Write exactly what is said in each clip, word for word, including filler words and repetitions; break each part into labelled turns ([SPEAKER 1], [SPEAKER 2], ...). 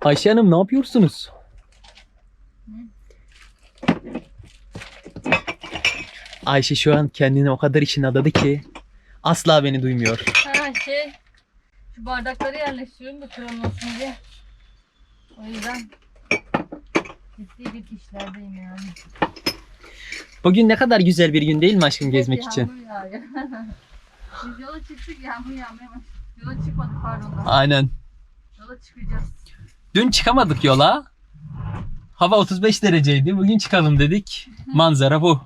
[SPEAKER 1] Ayşe Hanım ne yapıyorsunuz? Ayşe şu an kendini o kadar içine adadı ki asla beni duymuyor.
[SPEAKER 2] Ha şey, şu bardakları yerleştiriyorum da kırılmasın diye. O yüzden ciddi bir işlerdeyim yani.
[SPEAKER 1] Bugün ne kadar güzel bir gün değil mi aşkım gezmek
[SPEAKER 2] Evet,
[SPEAKER 1] için?
[SPEAKER 2] yağmur yağıyor. Biz yola çıktık, yağmur yağmaya başladı. Yola çıkmadık pardon da.
[SPEAKER 1] Aynen.
[SPEAKER 2] Yola çıkacağız.
[SPEAKER 1] Dün çıkamadık yola. Hava otuz beş dereceydi. Bugün çıkalım dedik. Manzara bu.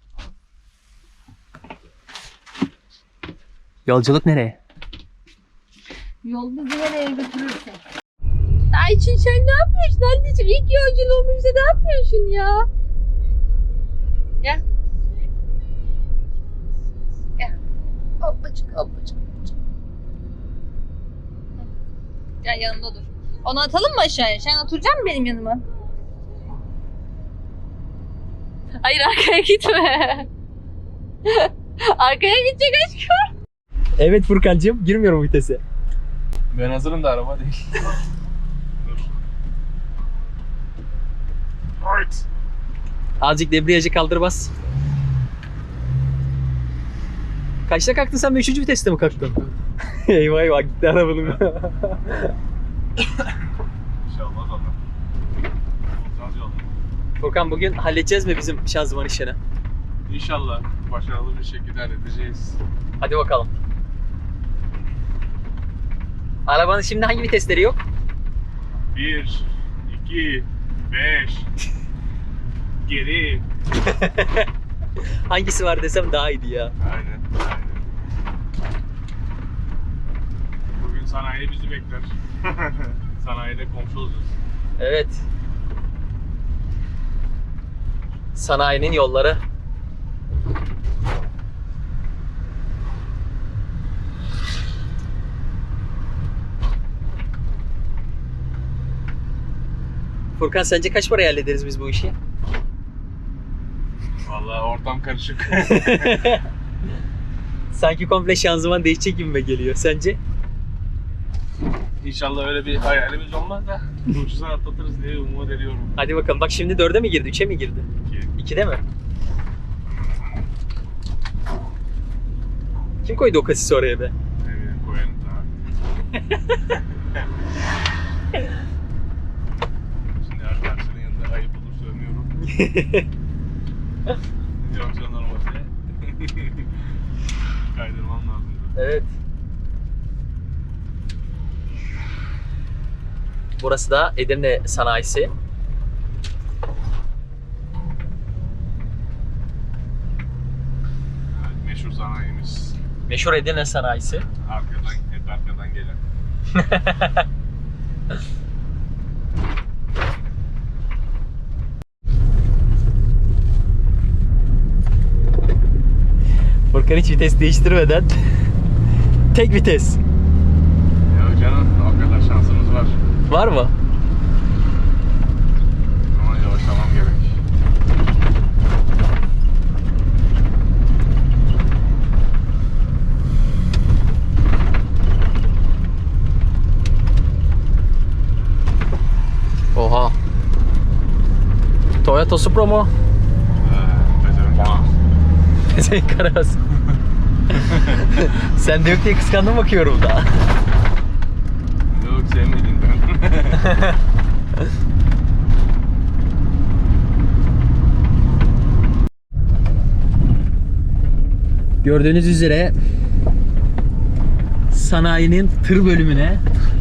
[SPEAKER 1] Yolculuk nereye?
[SPEAKER 2] Yol bizi nereye götürürse. Ayçin sen ne yapıyorsun anneciğim? İlk yolculuğumuzda ne yapıyorsun ya? Gel. Gel. Hoppacık hoppacık hoppacık. Gel yanımda dur. Onu atalım mı aşağıya? Sen oturacaksın mı benim yanıma? Hayır arkaya gitme. Arkaya gidecek aşkım.
[SPEAKER 1] Evet Furkancığım, girmiyorum vitese.
[SPEAKER 3] Ben hazırım da araba değil. Dur. Evet.
[SPEAKER 1] Azıcık debriyajı kaldır bas. Kaçta kalktın sen? Üçüncü viteste mi kalktın? Eyvah eyvah gitti arabanın.
[SPEAKER 3] İnşallah Allah. Olacağız yolda.
[SPEAKER 1] Furkan bugün halledeceğiz mi bizim şanzıman işini?
[SPEAKER 3] İnşallah başarılı bir şekilde halledeceğiz.
[SPEAKER 1] Hadi bakalım. Arabanın şimdi hangi vitesleri yok?
[SPEAKER 3] Bir, iki, beş. Geri.
[SPEAKER 1] Hangisi var desem daha iyiydi ya.
[SPEAKER 3] Aynen. Aynen. Bugün sanayi bizi bekler. Sanayide komşu olacağız.
[SPEAKER 1] Evet. Sanayinin yolları. Furkan sence kaç paraya hallederiz biz bu işi?
[SPEAKER 3] Vallahi ortam karışık.
[SPEAKER 1] Sanki komple şanzıman değişecek gibime geliyor. Sence?
[SPEAKER 3] İnşallah öyle bir hayalimiz olmaz da ucuza atlatırız diye umut ediyorum.
[SPEAKER 1] Hadi bakalım. Bak şimdi dörde mi girdi? Üçe mi girdi?
[SPEAKER 3] Ki
[SPEAKER 1] İkide mi? Kim koydu o kasisi oraya be?
[SPEAKER 3] ne bileyim koyalım daha. Şimdi arkadaşların yanında ayıp olur söylemiyorum. Yoksa normalde kaydırmam lazım.
[SPEAKER 1] Evet. Burası da Edirne sanayisi.
[SPEAKER 3] Evet, meşhur sanayimiz.
[SPEAKER 1] Meşhur Edirne sanayisi.
[SPEAKER 3] Arkadan, hep arkadan gelen.
[SPEAKER 1] Furkan hiç vites değiştirmeden tek vites.
[SPEAKER 3] Ya canım o kadar şansımız var.
[SPEAKER 1] Var mı?
[SPEAKER 3] Ama yavaşlamam gerek.
[SPEAKER 1] Oha. Toyota Supra mu?
[SPEAKER 3] Ee, Bezerim bana.
[SPEAKER 1] Senin karabas. Sen de yok diye kıskandım bakıyorum da.
[SPEAKER 3] Yok sevmediğinden.
[SPEAKER 1] Gördüğünüz üzere sanayinin tır bölümüne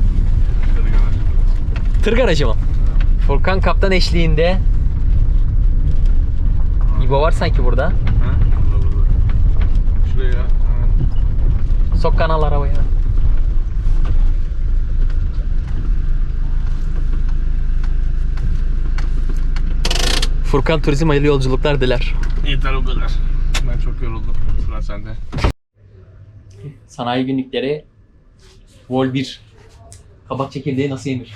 [SPEAKER 1] tır garajı mı? Furkan kaptan eşliğinde. İbo var sanki burada.
[SPEAKER 3] Ha? Burada burada. Şuraya. Ha.
[SPEAKER 1] Sok kanal arabaya. Furkan Turizm hayırlı yolculuklar diler.
[SPEAKER 3] Yeter o kadar. Ben çok yoruldum. Sıra sende.
[SPEAKER 1] Sanayi günlükleri Vol bir. Kabak çekirdeği nasıl yenir?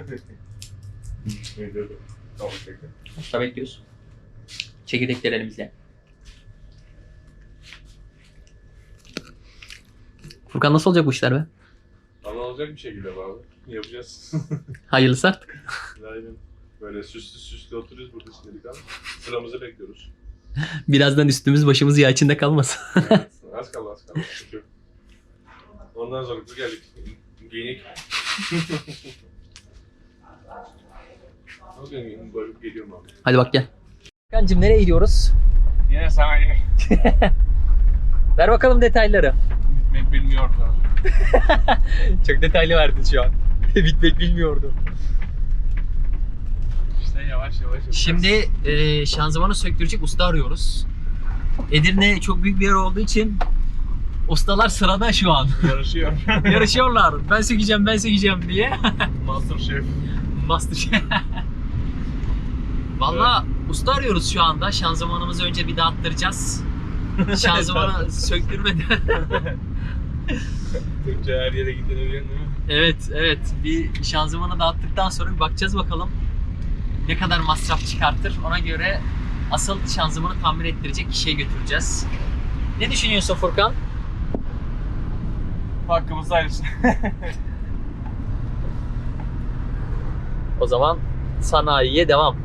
[SPEAKER 1] Başta bekliyoruz. Çekirdekleri elimizle. Furkan nasıl olacak bu işler be?
[SPEAKER 3] Allah olacak bir şekilde abi. Yapacağız.
[SPEAKER 1] Hayırlısı artık.
[SPEAKER 3] Aynen. Böyle süslü süslü oturuyoruz burada şimdilik ama sıramızı bekliyoruz.
[SPEAKER 1] Birazdan üstümüz başımız yağ içinde kalmasın.
[SPEAKER 3] Evet, az kaldı az kaldı. Çünkü ondan sonra biz geldik. Giyinik. Bugün böyle geliyorum abi.
[SPEAKER 1] Hadi bak gel. Kancım nereye gidiyoruz?
[SPEAKER 3] Yine sanayi.
[SPEAKER 1] Ver bakalım detayları.
[SPEAKER 3] Bitmek bilmiyordu.
[SPEAKER 1] Çok detaylı verdin şu an. Bitmek bilmiyordu.
[SPEAKER 3] İşte yavaş yavaş yapacağız.
[SPEAKER 1] Şimdi e, şanzımanı söktürecek usta arıyoruz. Edirne çok büyük bir yer olduğu için ustalar sırada şu an.
[SPEAKER 3] yarışıyor.
[SPEAKER 1] Yarışıyorlar. Ben sökeceğim, ben sökeceğim diye.
[SPEAKER 3] Master Chef.
[SPEAKER 1] Master Valla usta arıyoruz şu anda. Şanzımanımızı önce bir dağıttıracağız. Şanzımanı söktürmeden.
[SPEAKER 3] Türkçe her yere gidilebiliyor değil mi?
[SPEAKER 1] Evet, evet. Bir şanzımanı dağıttıktan sonra bir bakacağız bakalım ne kadar masraf çıkartır. Ona göre asıl şanzımanı tamir ettirecek kişiye götüreceğiz. Ne düşünüyorsun Furkan?
[SPEAKER 3] Hakkımız hayırlısı.
[SPEAKER 1] O zaman sanayiye devam.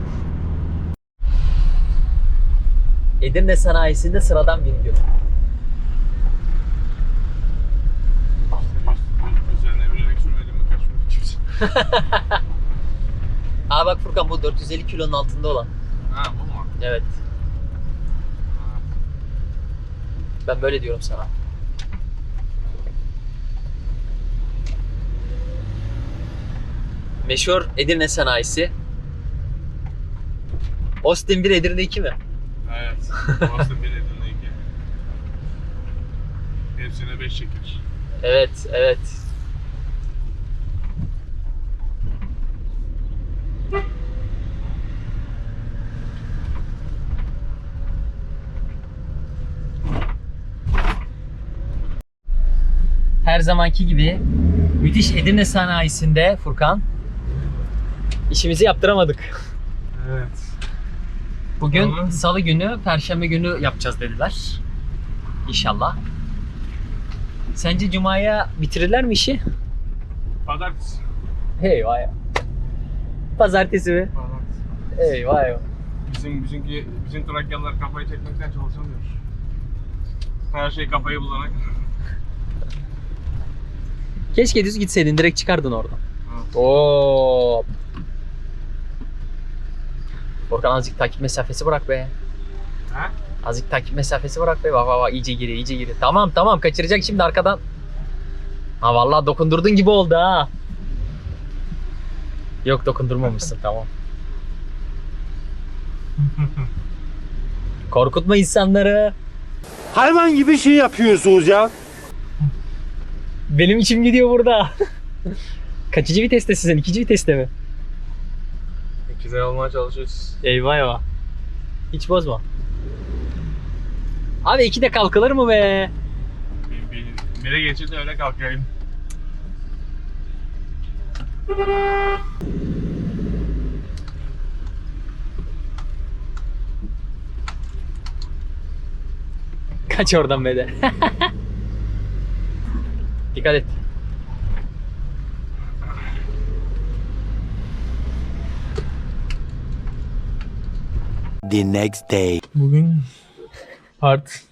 [SPEAKER 1] Edirne sanayisinde sıradan bir gün.
[SPEAKER 3] Üzerine bilerek sürmedim mi kaçmadı kimse.
[SPEAKER 1] Aa bak Furkan bu dört yüz elli kilonun altında olan.
[SPEAKER 3] Ha bu mu?
[SPEAKER 1] Evet. Ben böyle diyorum sana. Meşhur Edirne sanayisi. Austin bir Edirne iki mi?
[SPEAKER 3] Evet. Orası bir Edirne iki. Hepsine beş şeker.
[SPEAKER 1] Evet, evet. Her zamanki gibi müthiş Edirne sanayisinde Furkan işimizi yaptıramadık.
[SPEAKER 3] Evet.
[SPEAKER 1] Bugün
[SPEAKER 3] Tamam.
[SPEAKER 1] salı günü, perşembe günü yapacağız dediler. İnşallah. Sence cumaya bitirirler mi işi?
[SPEAKER 3] Pazartesi.
[SPEAKER 1] Eyvah ya. Pazartesi mi?
[SPEAKER 3] Pazartesi.
[SPEAKER 1] Eyvah eyvah.
[SPEAKER 3] Bizim bizimki bizim Trakyalılar kafayı çekmekten çalışamıyor. Her şey kafayı bulana kadar.
[SPEAKER 1] Keşke düz gitseydin, direkt çıkardın oradan.
[SPEAKER 3] Evet.
[SPEAKER 1] Oo. Furkan azıcık takip mesafesi bırak be.
[SPEAKER 3] Ha?
[SPEAKER 1] Azıcık takip mesafesi bırak be. Bak bak bak iyice giriyor, iyice giriyor. Tamam tamam kaçıracak şimdi arkadan. Ha vallahi dokundurdun gibi oldu ha. Yok dokundurmamışsın tamam. Korkutma insanları.
[SPEAKER 4] Hayvan gibi şey yapıyorsunuz ya.
[SPEAKER 1] Benim içim gidiyor burada. Kaçıncı viteste sizin? İkinci viteste mi?
[SPEAKER 3] İkizler olmaya çalışıyoruz.
[SPEAKER 1] Eyvah eyvah. Hiç bozma. Abi iki de kalkılır mı be?
[SPEAKER 3] Bir, bir, bire geçir de öyle kalkayım.
[SPEAKER 1] Kaç oradan be de. Dikkat et.
[SPEAKER 4] The next day.
[SPEAKER 3] Bugün part.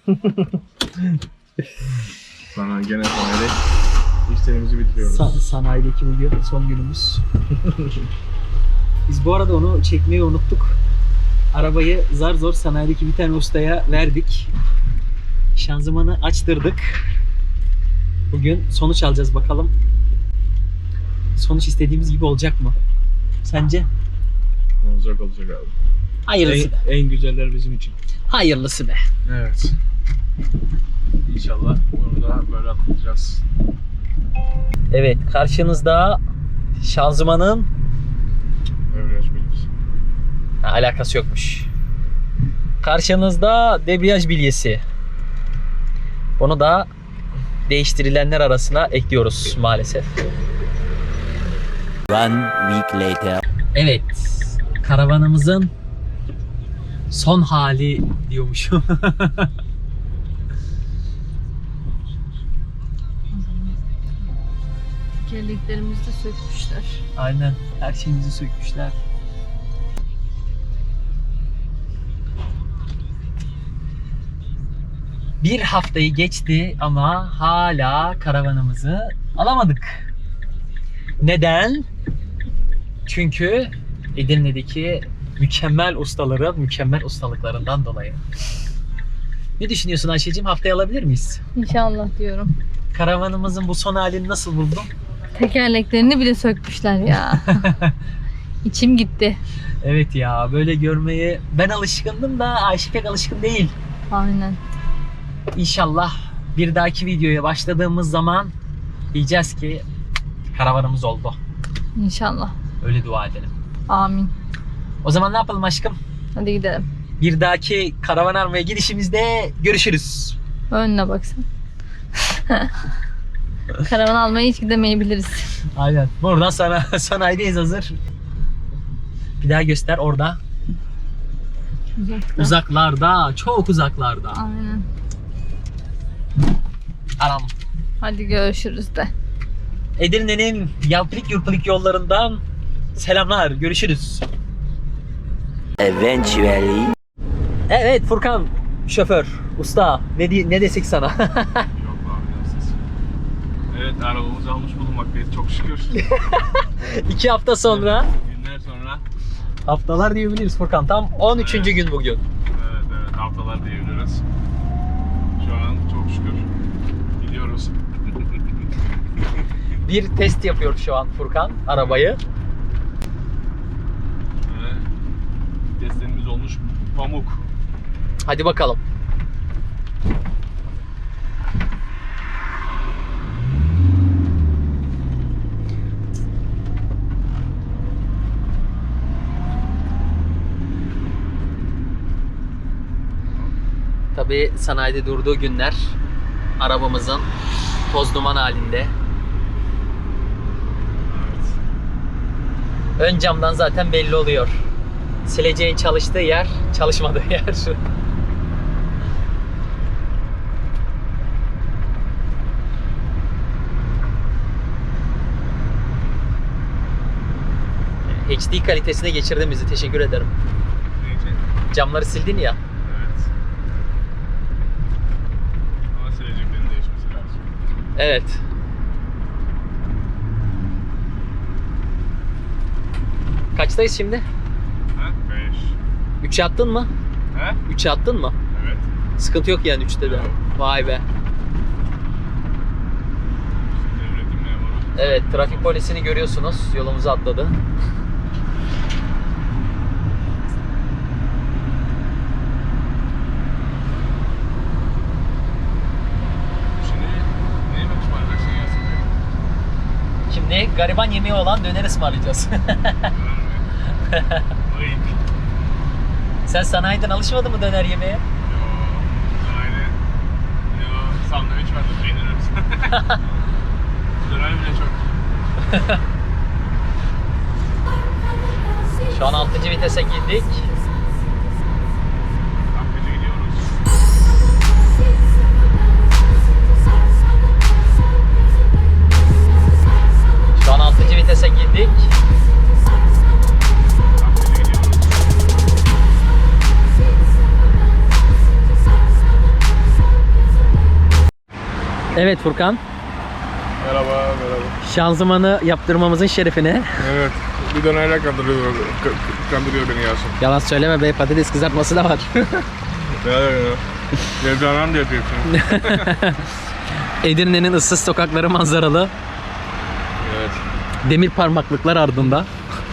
[SPEAKER 3] Sana gene sanayide işlerimizi bitiriyoruz.
[SPEAKER 1] Sa- sanayideki bugün son günümüz. Biz bu arada onu çekmeyi unuttuk. Arabayı zar zor sanayideki bir tane ustaya verdik. Şanzımanı açtırdık. Bugün sonuç alacağız bakalım. Sonuç istediğimiz gibi olacak mı? Sence?
[SPEAKER 3] Olacak olacak abi.
[SPEAKER 1] Hayırlısı be.
[SPEAKER 3] En, en güzeller bizim için.
[SPEAKER 1] Hayırlısı be.
[SPEAKER 3] Evet. İnşallah bunu da böyle atlatacağız.
[SPEAKER 1] Evet, karşınızda şanzımanın
[SPEAKER 3] Devriyaj bilgisi.
[SPEAKER 1] ha, alakası yokmuş. Karşınızda debriyaj bilyesi. Bunu da değiştirilenler arasına ekliyoruz maalesef.
[SPEAKER 4] One week later.
[SPEAKER 1] Evet, karavanımızın son hali diyormuşum.
[SPEAKER 2] Tekerleklerimizi de sökmüşler.
[SPEAKER 1] Aynen. Her şeyimizi sökmüşler. Bir haftayı geçti ama hala karavanımızı alamadık. Neden? Çünkü Edirne'deki mükemmel ustaların mükemmel ustalıklarından dolayı. Ne düşünüyorsun Ayşe'cim? Haftaya alabilir miyiz?
[SPEAKER 2] İnşallah diyorum.
[SPEAKER 1] Karavanımızın bu son halini nasıl buldun?
[SPEAKER 2] Tekerleklerini bile sökmüşler ya. İçim gitti.
[SPEAKER 1] Evet ya, böyle görmeye ben alışkındım da Ayşe pek alışkın değil.
[SPEAKER 2] Aynen.
[SPEAKER 1] İnşallah bir dahaki videoya başladığımız zaman diyeceğiz ki karavanımız oldu.
[SPEAKER 2] İnşallah.
[SPEAKER 1] Öyle dua edelim.
[SPEAKER 2] Amin.
[SPEAKER 1] O zaman ne yapalım aşkım?
[SPEAKER 2] Hadi gidelim.
[SPEAKER 1] Bir dahaki karavan almaya gidişimizde görüşürüz.
[SPEAKER 2] Önüne baksana. Karavan almaya hiç gidemeyebiliriz.
[SPEAKER 1] Aynen. Buradan sana sanayideyiz hazır. Bir daha göster orada.
[SPEAKER 2] Uzakta.
[SPEAKER 1] Uzaklarda, çok uzaklarda.
[SPEAKER 2] Aynen.
[SPEAKER 1] Aram.
[SPEAKER 2] Hadi görüşürüz de.
[SPEAKER 1] Edirne'nin yalpılık yurpılık yollarından selamlar. Görüşürüz.
[SPEAKER 4] Eventually.
[SPEAKER 1] Evet Furkan, şoför, usta. Ne, di- ne desek sana?
[SPEAKER 3] Yok abi yapsız. Evet arabamızı almış bulunmaktayız çok şükür.
[SPEAKER 1] İki hafta sonra,
[SPEAKER 3] Günler sonra.
[SPEAKER 1] haftalar diyebiliriz Furkan. Tam on üçüncü gün bugün.
[SPEAKER 3] Evet evet haftalar diyebiliriz. Şu an çok şükür gidiyoruz.
[SPEAKER 1] Bir test yapıyor şu an Furkan arabayı.
[SPEAKER 3] Ve testlerimiz olmuş pamuk.
[SPEAKER 1] Hadi bakalım. Tabii sanayide durduğu günler arabamızın toz duman halinde.
[SPEAKER 3] Evet.
[SPEAKER 1] Ön camdan zaten belli oluyor. Sileceğin çalıştığı yer, çalışmadığı yer. H D kalitesine geçirdin bizi. Teşekkür ederim.
[SPEAKER 3] Neyse.
[SPEAKER 1] Camları sildin ya.
[SPEAKER 3] Evet. Ama sileceklerin değişmesi lazım.
[SPEAKER 1] Evet. Kaçtayız şimdi?
[SPEAKER 3] Ha? Beş.
[SPEAKER 1] üçe attın mı?
[SPEAKER 3] He?
[SPEAKER 1] üçe attın mı?
[SPEAKER 3] Evet.
[SPEAKER 1] Sıkıntı yok yani üçte de.
[SPEAKER 3] Yok.
[SPEAKER 1] Vay be.
[SPEAKER 3] Devletin memuru.
[SPEAKER 1] Evet, trafik polisini görüyorsunuz. Yolumuza atladı.
[SPEAKER 3] Şimdi ne yemek ısmarlayacaksın Yasin Bey?
[SPEAKER 1] Şimdi gariban yemeği olan döner ısmarlayacağız.
[SPEAKER 3] Ayıp.
[SPEAKER 1] Sen sanayiden alışmadın mı döner yemeğe?
[SPEAKER 3] Yo. Aynen. Yo. Sandviç var da peynir arası. Döner bile çok.
[SPEAKER 1] Şu an altıncı vitese girdik.
[SPEAKER 3] Akıcı gidiyoruz.
[SPEAKER 1] Şu an altıncı vitese girdik.
[SPEAKER 3] Akıcı gidiyoruz.
[SPEAKER 1] Evet Furkan,
[SPEAKER 3] Merhaba, merhaba.
[SPEAKER 1] şanzımanı yaptırmamızın şerefine.
[SPEAKER 3] Evet. Bir dönerle kandırıyor, kandırıyor beni Yasin.
[SPEAKER 1] Yalan söyleme be, patates kızartması da var.
[SPEAKER 3] Ya ya ya. Devranan da yapıyorsun.
[SPEAKER 1] Edirne'nin ıssız sokakları manzaralı.
[SPEAKER 3] Evet.
[SPEAKER 1] Demir parmaklıklar ardında.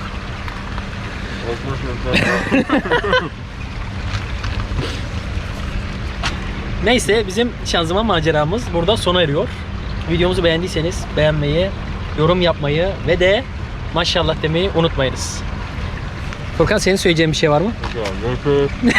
[SPEAKER 1] Neyse, bizim şanzıman maceramız burada sona eriyor. Videomuzu beğendiyseniz beğenmeyi, yorum yapmayı ve de maşallah demeyi unutmayınız. Furkan, senin söyleyeceğin bir şey var mı?
[SPEAKER 3] Görüşürüz.